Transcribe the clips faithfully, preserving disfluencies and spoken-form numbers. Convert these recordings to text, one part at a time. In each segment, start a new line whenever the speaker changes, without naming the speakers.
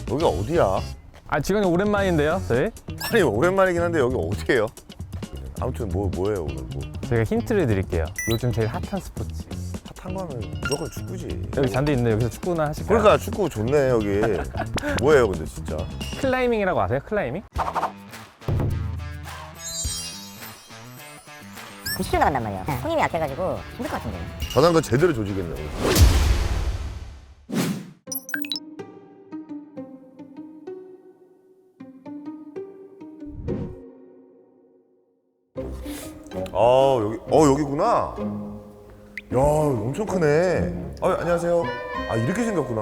여기 어디야?
아 지금 오랜만인데요, 저희?
아니 오랜만이긴 한데 여기 어디예요? 아무튼 뭐 뭐예요 오늘 뭐
제가 힌트를 드릴게요. 요즘 제일 핫한 스포츠.
핫한 거는 무조건 축구지.
여기 잔디 있는데 여기서 축구나 하실까요?
그러니까 축구 좋네 여기. 뭐예요 근데 진짜?
클라이밍이라고 아세요? 클라이밍?
구십 킬 나간단 말이야. 손님이 약해가지고 힘들 것 같은데.
전환도 제대로 조지겠네. 오늘. 아 여기 어 여기구나. 야 엄청 크네. 아 안녕하세요. 아 이렇게 생겼구나.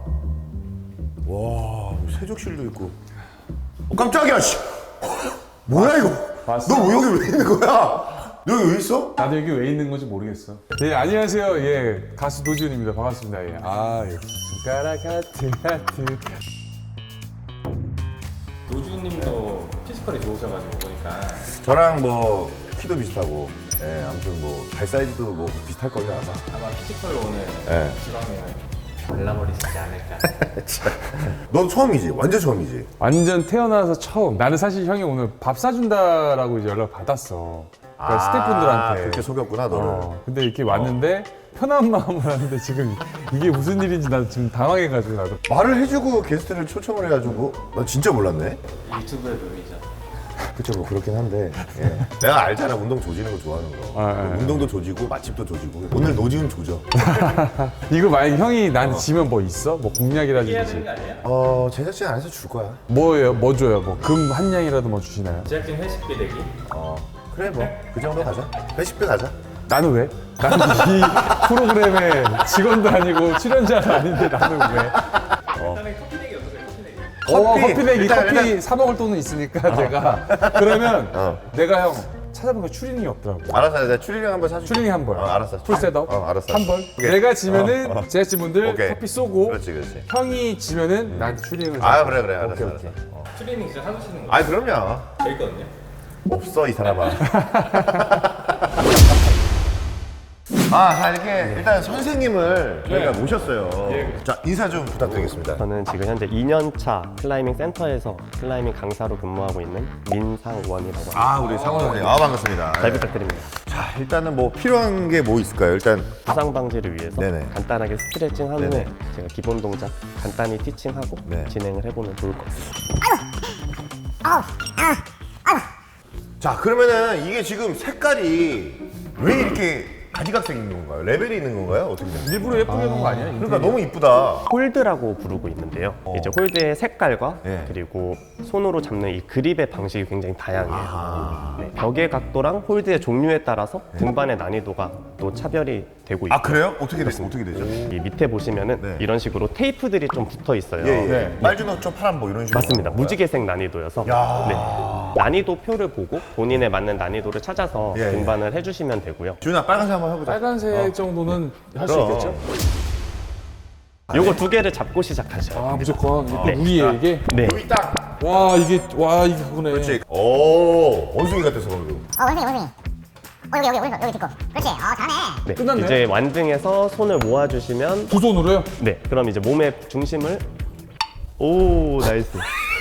와 세족실도 있고. 어, 깜짝이야 씨. 뭐야 이거?
봤어?
너 여기 왜 있는 거야? 너 여기 왜 있어?
나도 여기 왜 있는 건지 모르겠어. 네, 안녕하세요. 예, 가수 노지훈입니다. 반갑습니다. 예. 아, 예. 손가락 하트, 하트.
노주님도 피지컬이 좋으셔가지고 보니까
저랑 뭐 키도 비슷하고, 예 아무튼 뭐 발 사이즈도 뭐 비슷할 걸요 아마.
아마 피지컬로 오늘
예.
지방을 발라버리시지 않을까.
넌 처음이지? 완전 처음이지?
완전 태어나서 처음. 나는 사실 형이 오늘 밥 사준다라고 이제 연락 받았어. 그러니까 스태프분들한테.
그렇게 속였구나 너를.
어, 근데 이렇게 왔는데 편한 마음으로 하는데 지금 이게 무슨 일인지 나도 지금 당황해가지고 나도.
말을 해주고 게스트를 초청을 해가지고 나 진짜 몰랐네.
유튜브에 보이죠?
그쵸 뭐 그렇긴 한데 예. 내가 알잖아 운동 조지는 거 좋아하는 거.
아, 예, 예.
운동도 조지고 맛집도 조지고 오늘 노지훈 조져.
이거 만약 형이 나한테 지면 뭐 있어? 뭐 공약이라든지.
어 제작진 안에서 줄 거야.
뭐예요? 뭐 줘요? 뭐 금 한 양이라도 뭐 주시나요?
제작진 회식비 내기?
어 그래 뭐 그 정도 가자. 회식비 가자.
나는 왜? 나는 이 프로그램의 직원도 아니고 출연자도 아닌데 나는 왜?
일단은 커피 내기 어떠세요? 커피 내기?
어,
커피!
커피 내기
일단,
커피
일단.
사 먹을 돈은 있으니까 내가 그러면
어.
내가 형 찾아보니까 추리닝이 없더라고.
알았어 내가 추리닝 한번 사줄게.
추리닝 한 벌.
어, 알았어.
풀 셋업.
어, 알았어.
한 벌.
오케이.
내가 지면은
어, 어.
제작진분들
오케이.
커피 쏘고
그렇지 그렇지.
형이 지면은 나한테 추리닝을
아
사.
그래 그래 알았어
오케이,
알았어.
오케이.
어.
트레이닝 진짜 사주시는 거예요?
아 그럼요.
재밌거든요?
없어 이 사람아. 아, 자 이렇게 일단 선생님을 저희가 모셨어요. 자 인사 좀 부탁드리겠습니다.
저는 지금 현재 이 년 차 클라이밍 센터에서 클라이밍 강사로 근무하고 있는 민상원이라고 합니다.
아 우리 상원 선생님, 아 반갑습니다.
잘 부탁드립니다.
자 일단은 뭐 필요한 게 뭐 있을까요? 일단
부상 방지를 위해서
네네.
간단하게 스트레칭 한 후에
네네.
제가 기본 동작 간단히 티칭하고
네.
진행을 해보면 좋을 것 같습니다.
자 그러면은 이게 지금 색깔이 왜 이렇게 가지각색 있는 건가요? 레벨이 있는 건가요? 어떻게 돼요?
일부러 예쁘게 해놓은 거 아니야?
그러니까 너무 이쁘다.
홀드라고 부르고 있는데요. 이제 홀드의 색깔과
네.
그리고 손으로 잡는 이 그립의 방식이 굉장히 다양해요. 네, 벽의 각도랑 홀드의 종류에 따라서 등반의 난이도가 또 차별이 되고 있고
아 그래요? 어떻게 됐어? 어떻게 되죠?
이 밑에 보시면은
네.
이런 식으로 테이프들이 좀 붙어 있어요.
예, 예.
네.
빨주노초 파란 뭐 이런 식으로.
맞습니다.
하는 거야?
무지개색 난이도여서
야.
네. 난이도 표를 보고 본인에 맞는 난이도를 찾아서
예, 예.
등반을 해주시면 되고요.
지훈아 빨간색 한번 해보자.
빨간색 정도는 할 수
그럼.
있겠죠?
요거 두 개를 잡고 시작하셔요.
아 무조건 이게 또
네.
우리의 이게
네.
여기 딱.
와 이게 와 이게 그거네.
그렇지. 오 원숭이 같았어 방금.
어, 원숭이, 원숭이. 어, 여기, 여기, 여기, 여기 듣고. 그렇지. 어, 잘하네.
네.
끝났네요.
이제 완등해서 손을 모아주시면
두 손으로요?
네. 그럼 이제 몸의 중심을 오 나이스.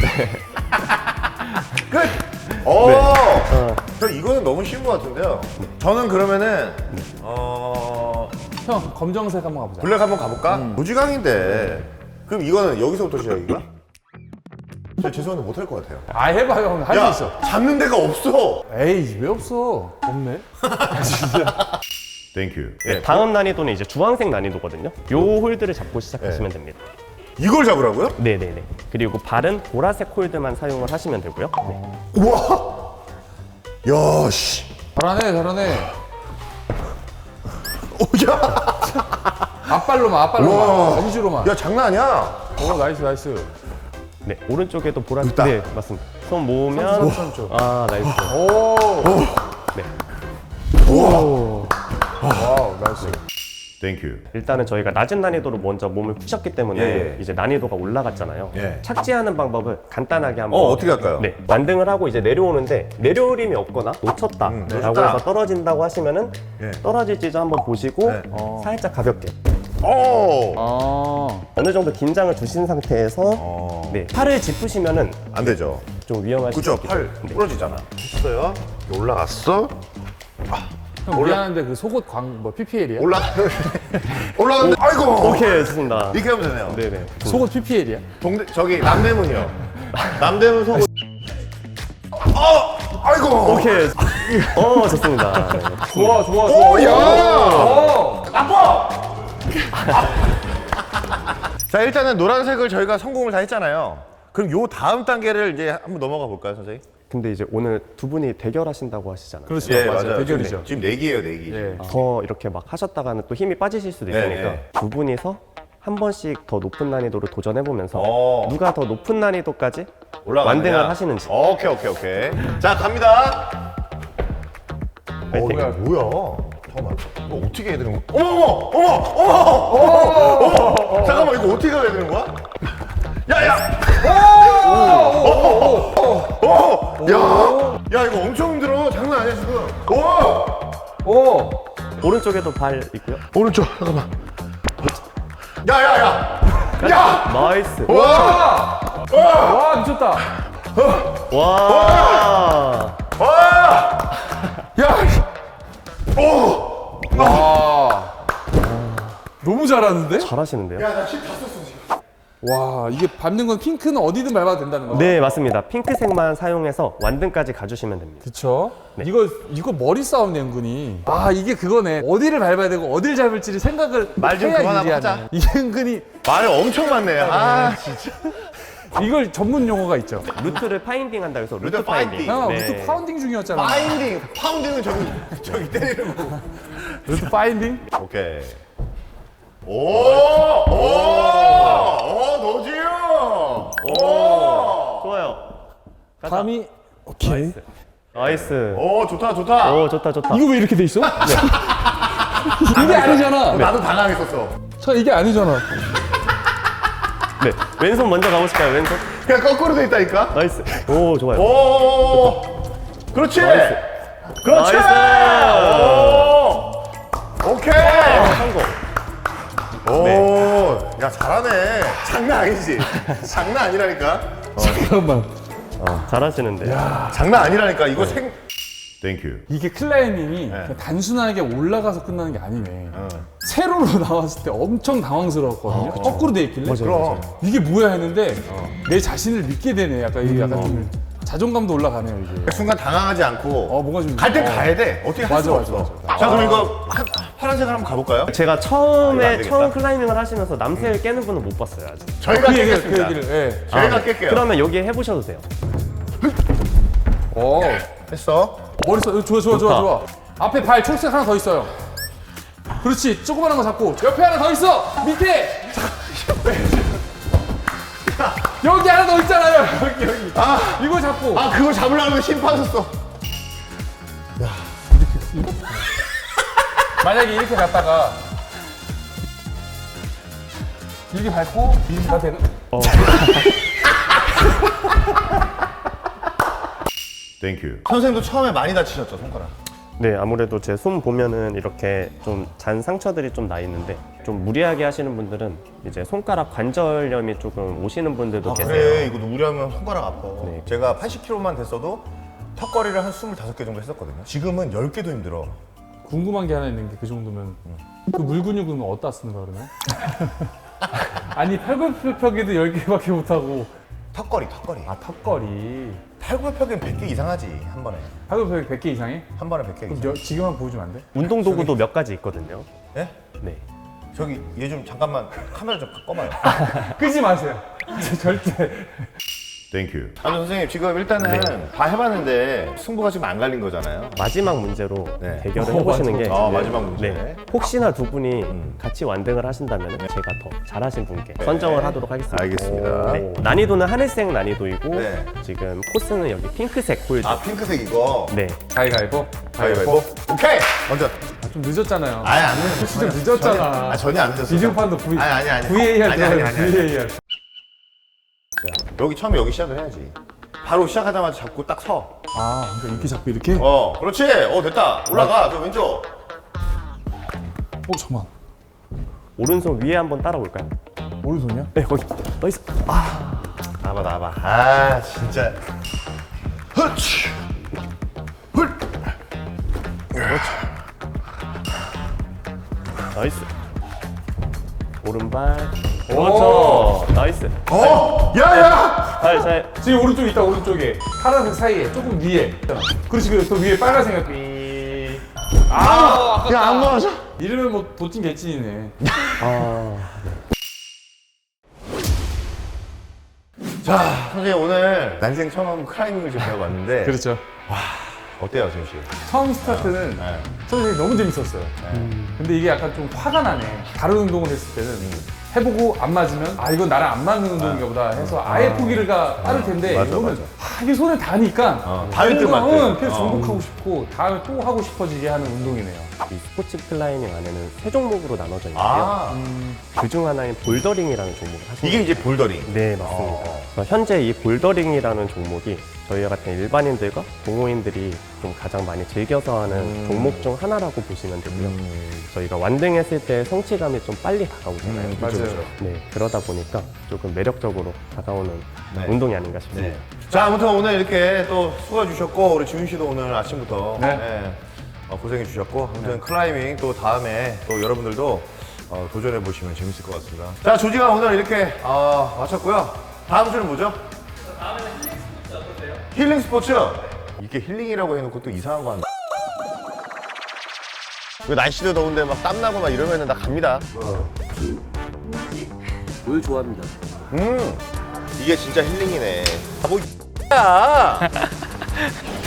끝. 오. 저 이거는 너무 쉬운 것 같은데요. 저는 그러면은 어
형 검정색 한번 가보자.
블랙 한번 가볼까? 무지강인데. 그럼 이거는 여기서부터 시작인가? 저 죄송한데 못할 것 같아요.
아 해봐 형 할 수 있어.
잡는 데가 없어.
에이 왜 없어? 없네.
땡큐.
네, 다음 난이도는 이제 주황색 난이도거든요. 요 홀드를 잡고 시작하시면 됩니다.
이걸 잡으라고요?
네네네. 그리고 발은 보라색 홀드만 사용을 하시면 되고요. 네.
우와. 야 씨.
잘하네 잘하네.
오야.
앞발로만 앞발로만
우와.
엄지로만.
야 장난 아니야.
오 나이스 나이스.
네, 오른쪽에도 보라색.
있다.
네, 맞습니다. 손 모으면
삼촌.
아, 나이스.
오.
네.
와우 나이스.
땡큐.
일단은 저희가 낮은 난이도로 먼저 몸을 푸셨기 때문에
예, 예.
이제 난이도가 올라갔잖아요.
예.
착지하는 방법을 간단하게 한번.
어 어떻게 할까요?
네, 완등을 하고 이제 내려오는데 내려오림이 없거나 놓쳤다
음,
라고
놓쳤다.
해서 떨어진다고 하시면은
예.
떨어질지 좀 한번 보시고
네.
어, 살짝 가볍게.
오.
아.
어느 정도 긴장을 주신 상태에서
어.
네, 팔을 짚으시면은
안 되죠.
좀 위험할 수
그죠?
있기
팔
때문에. 네.
부러지잖아. 했어요. 올라갔어.
형 미안한데 그 속옷 광 뭐 피피엘이야?
올라. 올라갔는데 아이고.
오케이, 좋습니다.
이렇게 하면 되네요.
네네.
속옷 피피엘이야?
동대 저기 남대문이요. 남대문 속옷. 어. 아이고.
오케이. 어, 좋습니다. 네.
좋아 좋아 좋아.
오, 야.
어.
자 일단은 노란색을 저희가 성공을 다 했잖아요. 그럼 요 다음 단계를 이제 한번 넘어가 볼까요, 선생님?
근데 이제 오늘 두 분이 대결하신다고 하시잖아요.
그렇죠.
예,
맞아요.
맞아요.
대결이죠.
지금 네 개예요, 네 개.
예.
더 이렇게 막 하셨다가는 또 힘이 빠지실 수도
네,
있으니까
네.
두 분이서 한 번씩 더 높은 난이도를 도전해보면서
어.
누가 더 높은 난이도까지
올라가느냐?
완등을 하시는지.
오케이, 오케이, 오케이. 자 갑니다. 어,
파이팅.
이거 뭐야? 잠깐만. 이거 어떻게 해야 되는 거야? 어머, 어머, 어머, 어머, 어머. 잠깐만, 이거 어떻게 해야 되는 거야? 야, 야. 오, 오, 오, 야, 야, 이거 엄청 힘들어. 장난 아니야 지금. 오,
오.
오른쪽에도 발 있고요.
오른쪽. 잠깐만. 야, 야, 야. 야.
나이스.
와,
와 미쳤다.
와.
와.
야.
오.
와. 너무 잘하는데?
잘하시는데요?
야, 나 십 다 썼어 지금.
와 이게 밟는 건 핑크는 어디든 밟아도 된다는 거.
네, 맞습니다. 핑크색만 사용해서 완등까지 가주시면 됩니다.
그쵸? 이거 이거 머리 싸움네 은근히. 아 이게 그거네. 어디를 밟아야 되고 어디를 잡을지를 생각을
말좀
해야
그만하고
유리하네.
하자.
이게 은근히
말을 엄청 많네. 아, 진짜.
이걸 전문 용어가 있죠.
루트를 파인딩 한다 해서 루트,
루트 파인딩.
파인딩.
형
네.
루트 파운딩 중이었잖아.
파인딩, 파운딩은 저기 저기 때리는 거.
루트 파인딩?
오케이. 오, 오, 오, 너지요. 오,
좋아요. 가자.
감이 오케이.
나이스.
오, 좋다, 좋다.
오, 좋다, 좋다.
이거 왜 이렇게 돼 있어? 이게 아니잖아.
나도 당황했었어.
저 이게 아니잖아.
네, 왼손 먼저 가보실까요? 왼손.
그냥 거꾸로 돼 있다니까.
나이스. 오, 좋아요.
오, 그렇지.
나이스.
그렇지.
나이스.
오, 오케이.
성공.
오, 야 잘하네. 장난 아니지. 장난 아니라니까.
잠깐만.
어, 잘하시는데.
장난 아니라니까. 이거 생. 땡큐.
이게 클라이밍이 그냥 단순하게 올라가서 끝나는 게 아니네. 세로로 나왔을 때 엄청 당황스러웠거든요. 거꾸로 돼 있길래.
그럼.
이게 뭐야 했는데 내 자신을 믿게 되네. 약간 이게 약간 좀 자존감도 올라가네요 이게.
순간 당황하지 않고.
어 뭔가 좀.
갈 땐
어.
가야 돼. 어떻게 할
맞아,
수가
맞아,
없어.
맞아.
자, 그럼 이거 한, 파란색을 한번 가볼까요?
제가
아, 이거 안
처음에
되겠다.
처음 클라이밍을 하시면서 남색을 깨는 분은 못 봤어요 아직.
저희가
그 얘기를 그
깼겠습니다.
얘기를. 예.
저희가
아, 네.
깰게요.
그러면 여기 해보셔도 돼요.
어.
했어.
머리 써. 좋아 좋아 좋아
좋다.
좋아. 앞에 발 초록색 하나 더 있어요. 그렇지. 조그만한 거 잡고 옆에 하나 더 있어. 밑에. 여기 하나 더 있잖아요. 여기 여기.
아,
이거 잡고.
아 그걸 잡으려면 힘 빠졌어.
만약에 이렇게 갔다가 이렇게 밟고 다 되는.
땡큐. 선생님도 처음에 많이 다치셨죠, 손가락?
네, 아무래도 제 손 보면은 이렇게 좀 잔 상처들이 좀 나 있는데 좀 무리하게 하시는 분들은 이제 손가락 관절염이 조금 오시는 분들도
아
계세요.
그래, 이거 무리하면 손가락 아파.
네.
제가 팔십 킬로그램만 됐어도 턱걸이를 한 스물다섯 개 정도 했었거든요. 지금은 열 개도 힘들어.
궁금한 게 하나 있는 게 그 정도면 그 물근육은 어디다 쓰는 거야 그러면? 아니 팔굽혀펴기도 열 개밖에 못 하고.
턱걸이, 턱걸이.
아 턱걸이.
팔굽혀펴기는 백 개 이상 하지, 한 번에.
팔굽혀펴기 백 개 이상해?
한 번에 백 개
그럼
이상.
여, 지금 한번 보여주면 안 돼?
운동 도구도 몇 가지 있거든요.
예?
네.
저기 얘 좀 잠깐만 카메라 좀 꺼봐요.
끄지 마세요. 절대.
땡큐. 아니 선생님 지금 일단은 다 해봤는데 승부가 지금 안 갈린 거잖아요.
마지막 문제로
네.
대결을
어,
해보시는
맞아.
게
아 마지막 문제.
네. 혹시나 두 분이
음.
같이 완등을 하신다면 제가 더 잘하신 분께 선정을 하도록 하겠습니다.
알겠습니다.
네. 난이도는 하늘색 난이도이고
네.
지금 코스는 여기 핑크색 홀드.
아 핑크색 이거.
네.
가위가위보.
가위바위보. 오케이. 먼저.
아, 좀 늦었잖아요.
아니 안 늦었어.
진짜 늦었잖아.
아 전혀 안 늦었어.
비디오판도 V.
아니 아니 아니.
브이에이알
아니 아니
들어가요.
아니. 아니.
브이에이알.
여기 처음에 여기 시작을 해야지. 바로 시작하자마자 잡고 딱 서.
아, 그러니까 이렇게 잡고 이렇게?
어, 그렇지. 어 됐다. 올라가. 저 왼쪽.
어, 잠깐만.
오른손 위에 한번 따라올까요?
오른손이야?
네, 거기. 나이스. 아,
나봐 나봐. 아 진짜. 흐치. 훌.
나이스. 오른발. 그렇죠. 나이스.
어? 야야.
잘, 잘.
지금 오른쪽에 있다, 오른쪽에. 파란색 사이에, 조금 위에. 그렇지, 그또 위에 빨간색이 삐. 아, 아깝다.
야안 맞아.
이러면 뭐 도찐 개찐이네.
아,
자 선생님 오늘 난생 처음 클라이밍을 좀 배워봤는데
그렇죠.
어때요 지금 씨?
처음 스타트는
네.
선생님이 너무 재밌었어요. 근데 이게 약간 좀 화가 나네. 다른 운동을 했을 때는 해보고 안 맞으면 아 이건 나랑 안 맞는 운동인가 보다 해서 아예 포기가 빠를 텐데
맞아,
이거는
맞아.
아, 이게 손에 닿으니까
어, 닿을 듯 말 듯.
응, 계속
어.
정복하고 싶고 다음에 또 하고 싶어지게 하는 운동이네요.
이 스포츠 클라이밍 안에는 세 종목으로 나눠져 있는데요.
아
그 중 하나인 볼더링이라는 종목을 하시는
이게 이제 볼더링.
네, 맞습니다. 그래서 현재 이 볼더링이라는 종목이 저희와 같은 일반인들과 동호인들이 좀 가장 많이 즐겨서 하는
음.
종목 중 하나라고 보시면 되고요. 저희가 완등했을 때 성취감이 좀 빨리 다가오잖아요.
음,
맞아요.
그렇죠.
네, 그러다 보니까 조금 매력적으로 다가오는
네.
운동이 아닌가 싶습니다.
네. 자 아무튼 오늘 이렇게 또 수고해 주셨고 우리 지훈 씨도 오늘 아침부터
네.
네, 어, 고생해 주셨고 아무튼 클라이밍 또 다음에 또 여러분들도 어, 도전해 보시면 재밌을 것 같습니다. 자 조지가 오늘 이렇게 어, 마쳤고요. 다음 주는 뭐죠?
다음에는 힐링 스포츠 어떠세요?
힐링 스포츠. 이게 힐링이라고 해놓고 또 이상한 거 한다. 그 날씨도 더운데 막 땀나고 막 이러면은 나 갑니다.
물 좋아합니다.
음 이게 진짜 힐링이네. 아, 뭐 야.